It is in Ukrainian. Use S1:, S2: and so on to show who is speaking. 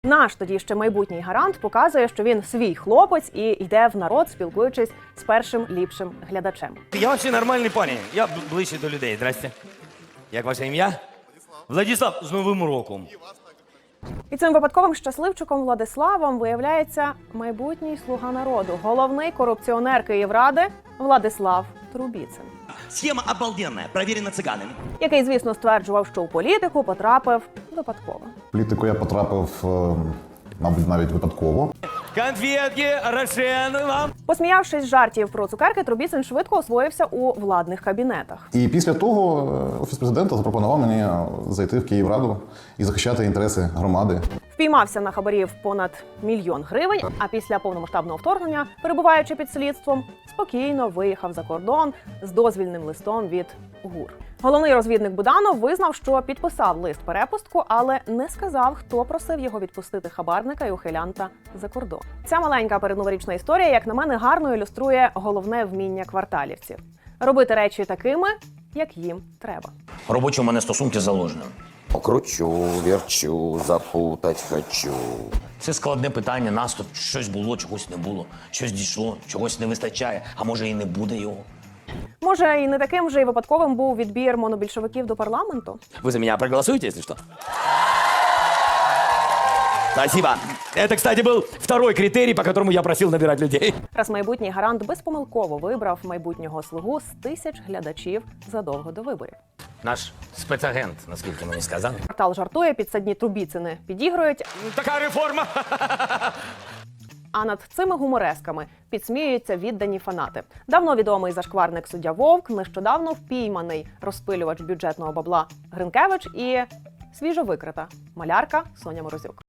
S1: Наш тоді ще майбутній гарант показує, що він свій хлопець і йде в народ, спілкуючись з першим ліпшим глядачем.
S2: Я вообще нормальний парень. Я ближче до людей. Здрасте. Як ваше ім'я? Владислав, з Новим роком.
S1: І цим випадковим щасливчиком Владиславом виявляється майбутній слуга народу, головний корупціонер Київради Владислав Трубіцин.
S3: Схема обалденная, проверена цыганами.
S1: Який, звісно, стверджував, що у політику потрапив випадково.
S4: В політику я потрапив, мабуть, навіть випадково.
S2: Конфетки, Рошен вам.
S1: Посміявшись з жартів про цукерки, Трубіцин швидко освоївся у владних кабінетах.
S4: І після того Офіс президента запропонував мені зайти в Київраду і захищати інтереси громади.
S1: Впіймався на хабарів понад 1 000 000 гривень, а після повномасштабного вторгнення, перебуваючи під слідством, спокійно виїхав за кордон з дозвільним листом від ГУР. Головний розвідник Буданов визнав, що підписав лист-перепустку, але не сказав, хто просив його відпустити хабарника і ухилянта за кордон. Ця маленька передноворічна історія, як на мене, гарно ілюструє головне вміння кварталівців – робити речі такими, як їм треба.
S3: Робочі у мене стосунки з заложеним.
S5: Кручу, верчу, запутать хочу.
S3: Це складне питання, нас тут щось було, чогось не було, щось дійшло, чогось не вистачає, а може і не буде його.
S1: Може, і не таким же й випадковим був відбір монобільшовиків до парламенту?
S2: Вы за меня проголосуете, если что? Спасибо. Это, кстати, был второй критерий, по которому я просил набирать людей.
S1: Раз майбутній гарант безпомилково вибрав майбутнього слугу з 1000 глядачів задовго до виборів.
S3: Наш спецагент, наскільки мені сказали.
S1: Квартал жартує, підсадні Трубіцини підігрують,
S2: Така реформа.
S1: а над цими гуморесками підсміюються віддані фанати. Давно відомий зашкварник суддя Вовк, нещодавно впійманий розпилювач бюджетного бабла Гринкевич і свіжо викрита малярка Соня Морозюк.